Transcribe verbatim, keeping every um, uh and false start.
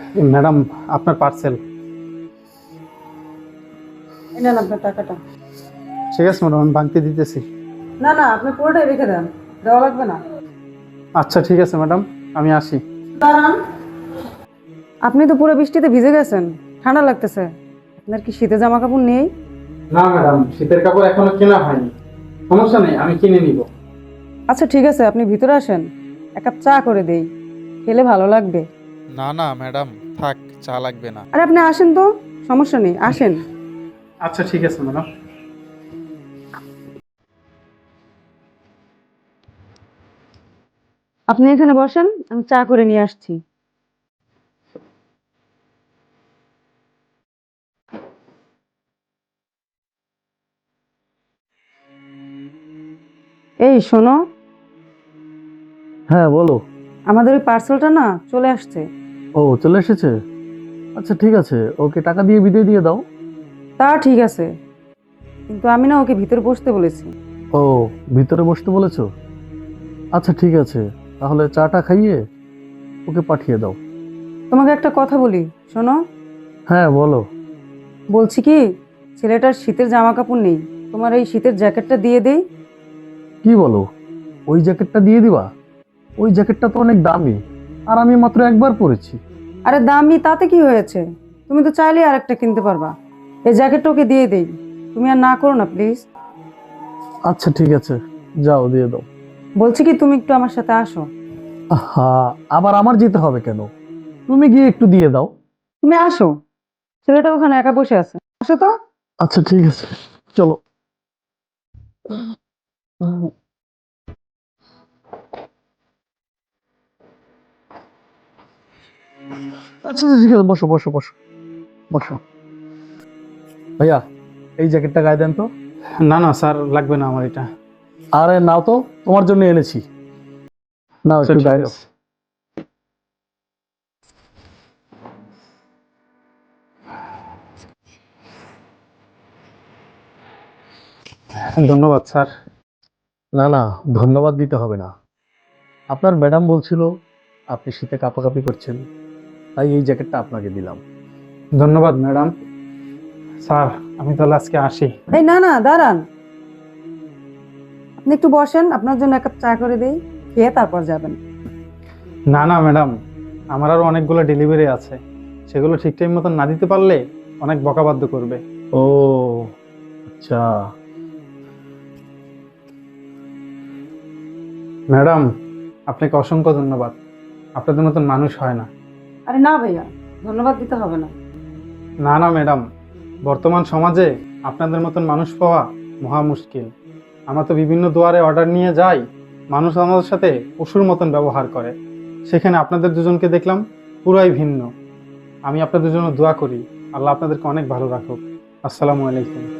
Madam, আপনার parcel. এই নেন আপনার টাকাটা। ঠিক আছে ম্যাডাম, আমি ভাঙতে দিতেছি। না না, আপনি পুরোটাই রেখে দেন, দেওয়া লাগবে না। আচ্ছা ঠিক আছে ম্যাডাম, আমি আসি। দাঁড়ান, আপনি তো পুরো বৃষ্টিতে ভিজে গেছেন, ঠান্ডা লাগতেছে। আপনার কি শীতে জামা কাপড় নেই? না ম্যাডাম, শীতের কাপড় এখনো কেনা হয়নি। সমস্যা নেই, আমি কিনে নিব। আচ্ছা ঠিক আছে, আপনি ভিতরে আসেন, এক কাপ চা করে দেই, খেলে ভালো লাগবে। না না ম্যাডাম, থাক, চা লাগবে না। আরে আপনি আসেন তো, সমস্যা নেই, আসেন। আচ্ছা ঠিক আছে ম্যাডাম। আপনি এখানে বসেন, আমি চা করে নিয়ে আসছি। এই শোনো, হ্যাঁ বলো। আমাদের ওই পার্সেলটা না চলে আসছে। ও চলে এসেছে। আচ্ছা ঠিক আছে, ওকে টাকা দিয়ে বিদায় দিয়ে দাও। তা ঠিক আছে, কিন্তু আমি না ওকে ভিতরে বসতে বলেছি। ও, ভিতরে বসতে বলেছো? আচ্ছা ঠিক আছে, তাহলে চাটা খাইয়ে ওকে পাঠিয়ে দাও। তোমাকে একটা কথা বলি, শোনো। হ্যাঁ বলো। বলছি কি, ছেলেটার শীতের জামা কাপড় নেই, তোমার এই শীতের জ্যাকেটটা দিয়ে দেই। কি বলো, ওই জ্যাকেটটা দিয়ে দিবা? ওই জ্যাকেটটা তো অনেক দামি, আর আমি মাত্র একবার পরেছি। আরে দামি তাতে কি হয়েছে, তুমি তো চাইলে আর একটা কিনতে পারবা। এই জ্যাকেটটা ওকে দিয়ে দেই, তুমি আর না করো না প্লিজ। আচ্ছা ঠিক আছে, যাও দিয়ে দাও। বলছি কি, তুমি একটু আমার সাথে আসো। হ্যাঁ, আবার আমার যেতে হবে কেন? তুমি গিয়ে একটু দিয়ে দাও। তুমি আসো, ছেলেটা ওখানে একা বসে আছে, আসো তো। আচ্ছা ঠিক আছে, চলো। আচ্ছা ঠিক আছে, বসো বসো বসো বসো। ভাইয়া, এই জ্যাকেটটা গায়ে দেন তো। না না স্যার, লাগবে না আমার এটা। আরে নাও তো, তোমার জন্য এনেছি। নাও আচ্ছা, একটু ঠিক গায়ে দাও। আছে। ধন্যবাদ স্যার। না না, ধন্যবাদ দিতে হবে না। আপনার ম্যাডাম বলছিল আপনি শীতে কাঁপাকাঁপি করছেন, তাই এই জ্যাকেটটা আপনাকে দিলাম। ধন্যবাদ ম্যাডাম। স্যার, আমি তাহলে আজকে আসি। এই না না, দাঁড়ান, আপনি একটু বসেন, আপনার জন্য এক কাপ চা করে দেই, খেয়ে তারপর যাবেন। না না ম্যাডাম, আমার আরো অনেকগুলো ডেলিভারি আছে, সেগুলো ঠিক টাইম মতন না দিতে পারলে অনেক বকাবাধ্য করবে। ও আচ্ছা। ম্যাডাম, আপনাকে অসংখ্য ধন্যবাদ। আপনাদের মতন মানুষ হয় না। আরে না ভাইয়া, ধন্যবাদ দিতে হবে না। না না ম্যাডাম, বর্তমান সমাজে আপনাদের মতন মানুষ পাওয়া মহা মুশকিল। আমরা তো বিভিন্ন দুয়ারে অর্ডার নিয়ে যাই, মানুষ আমাদের সাথে পশুর মতন ব্যবহার করে। সেখানে আপনাদের দুজনকে দেখলাম পুরাই ভিন্ন। আমি আপনাদের জন্য দোয়া করি, আল্লাহ আপনাদেরকে অনেক ভালো রাখুক। আসসালামু আলাইকুম।